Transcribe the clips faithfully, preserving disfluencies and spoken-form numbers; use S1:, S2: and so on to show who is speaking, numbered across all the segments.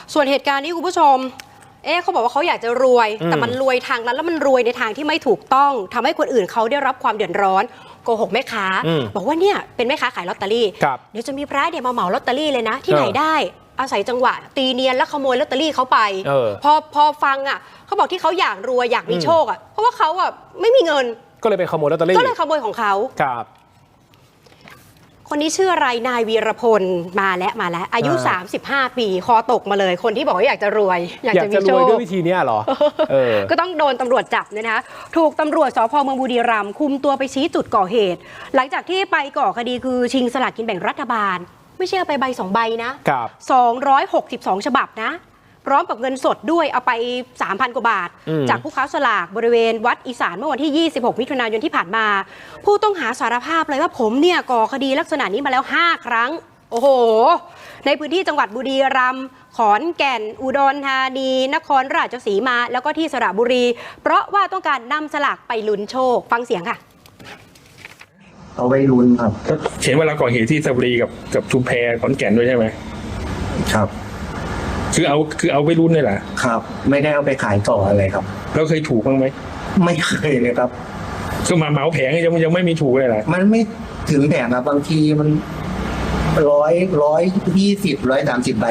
S1: ส่วนเหตุการณ์นี้คุณผู้ชมเอ๊ะเขาบอกว่าเขาอยากจะรวยแต่มันรวยทางนั้นแล้วมันรวยในทางที่ไม่ถูกต้องทำให้คนอื่นเขาได้รับความเดือดร้อนโกหกแม่ค้าบอกว่าเนี่ยเป็นแม่ค้าขายลอตเตอรี่เดี๋ยวจะมีพระเดี๋ยวมาเหมาลอตเตอรี่เลยนะที่ไหนได้อาศัยจังหวะตีเนียนแล้วขโมยลอตเตอรี่เขาไปพอพอฟังอ่ะเขาบอกที่เขาอยากรวยอยากมีโชคอ่ะเพราะว่าเขาอ่ะไม่มีเงิน
S2: ก็เลยไปขโมยลอตเตอรี่
S1: ก็เลยขโมยของเขา
S2: ครับ
S1: คนนี้ชื่ออะไรนายวีรพลมาแล้วมาแล้วอายุสามสิบห้าปีคอตกมาเลยคนที่บอกว่าอยากจะรวย
S2: อยากจะมีโชคด้วยวิธีนี้หรอเออ
S1: ก็ต้องโดนตำรวจจับเนี่ยนะคะถูกตำรวจสภ.เมืองบุรีรัมย์คุมตัวไปชี้จุดก่อเหตุหลังจากที่ไปก่อคดีคือชิงสลากกินแบ่งรัฐบาลไม่ใช่เอาไปใบสองใบนะสองร้อยหกสิบสองฉบับนะพร้อมกับเงินสดด้วยเอาไป สามพัน กว่าบาทจากผู้ค้าสลากบริเวณวัดอีสานเมื่อวันที่ยี่สิบหกมิถุนายนที่ผ่านมาผู้ต้องหาสารภาพเลยว่าผมเนี่ยก่อคดีลักษณะนี้มาแล้วห้าครั้งโอ้โหในพื้นที่จังหวัดบุรีรัมย์ขอนแก่นอุดรธานีนครราชสีมาแล้วก็ที่สระบุรีเพราะว่าต้องการนำสลากไปลุ้นโชคฟังเสียงค่ะ
S3: เอาไว้ลุ้นครับ
S4: เห็นเวลาก่อเหตุที่สระบุรีกับกับชุมแพขอนแก่นด้วยใช่ไหม
S3: ครับ
S4: คือเอาคือเอาไปรุ่นนี่แหละ
S3: ครับไม่ได้เอาไปขายต่ออะไรครับ
S4: แล้วเคยถูกบ้างไหม
S3: ไม่เคยเลยครับ
S4: ก็มาเหมาแผงยังยังไม่มีถูกเลยแหละ
S3: มันไม่ถึงแผงครับบางทีมันร้อยร้อยยี่สิบร้อยสามสิบใบ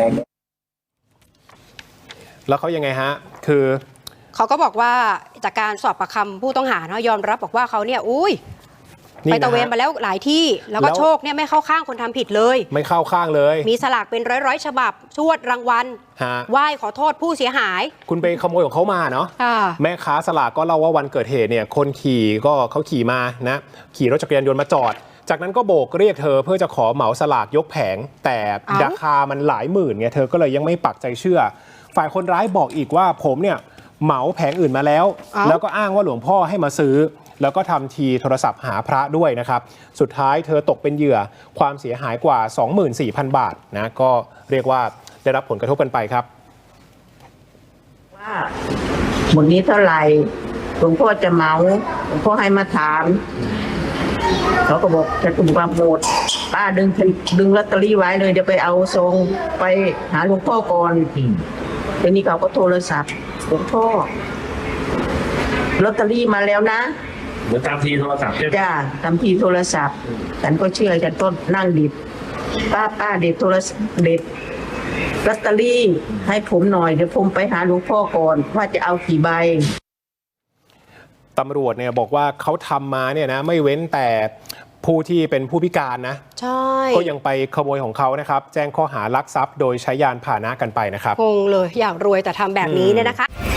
S2: แล้วเขายังไงฮะคือ
S1: เขาก็บอกว่าจากการสอบปากคำผู้ต้องหาเนาะยอมรับบอกว่าเขาเนี่ยอุ้ยไปตะเวนมาแล้วหลายที่แล้วก็โชคเนี่ยไม่เข้าข้างคนทำผิดเลย
S2: ไม่เข้าข้างเลย
S1: มีสลากเป็นร้อยๆฉบับชวดรางวัลไหว้ขอโทษผู้เสียหาย
S2: คุณไปขโมยของเขามาเนาะแม่ค้าสลากก็เล่าว่าวันเกิดเหตุเนี่ยคนขี่ก็เขาขี่มานะขี่รถจักรยานยนต์มาจอดจากนั้นก็โบกเรียกเธอเพื่อจะขอเหมาสลากยกแผงแต่ราคามันหลายหมื่นไงเธอก็เลยยังไม่ปักใจเชื่อฝ่ายคนร้ายบอกอีกว่าผมเนี่ยเหมาแผงอื่นมาแล้วแล้วก็อ้างว่าหลวงพ่อให้มาซื้อแล้วก็ทำทีโทรศัพท์หาพระด้วยนะครับสุดท้ายเธอตกเป็นเหยื่อความเสียหายกว่า สองหมื่นสี่พัน บาทนะก็เรียกว่าได้รับผลกระทบกันไปครับ
S5: ว่าหมดนี้เท่าไหร่หลวงพ่อจะเหมาหลวงพ่อให้มาถามเขาก็บอกจะถูกมาหมดป้าดึงดึงลอตเตอรี่ไว้เลยเดี๋ยวไปเอาทรงไปหาหลวงพ่อก่อนทีนี้เขาก็โทรศัพท์หลวงพ่อลอตเตอรี่มาแล้วนะ
S4: เหมือนตามทีโทรศัพท์ใช่ไหม
S5: จ้าตามทีโทรศัพท์ฉันก็เชื่อฉันก็นั่งดิบป้าป้าเด็ดโทรศัพท์เด็ดลอตเตอรี่ให้ผมหน่อยเดี๋ยวผมไปหาหลวงพ่อก่อนว่าจะเอากี่ใบ
S2: ตำรวจเนี่ยบอกว่าเขาทำมาเนี่ยนะไม่เว้นแต่ผู้ที่เป็นผู้พิการนะ
S1: ใช่
S2: ก็ยังไปขโมยของเขานะครับแจ้งข้อหาลักทรัพย์โดยใช้ยานพาหนะกันไปนะครับ
S1: งงเลยอยากรวยแต่ทำแบบนี้เนี่ยนะคะ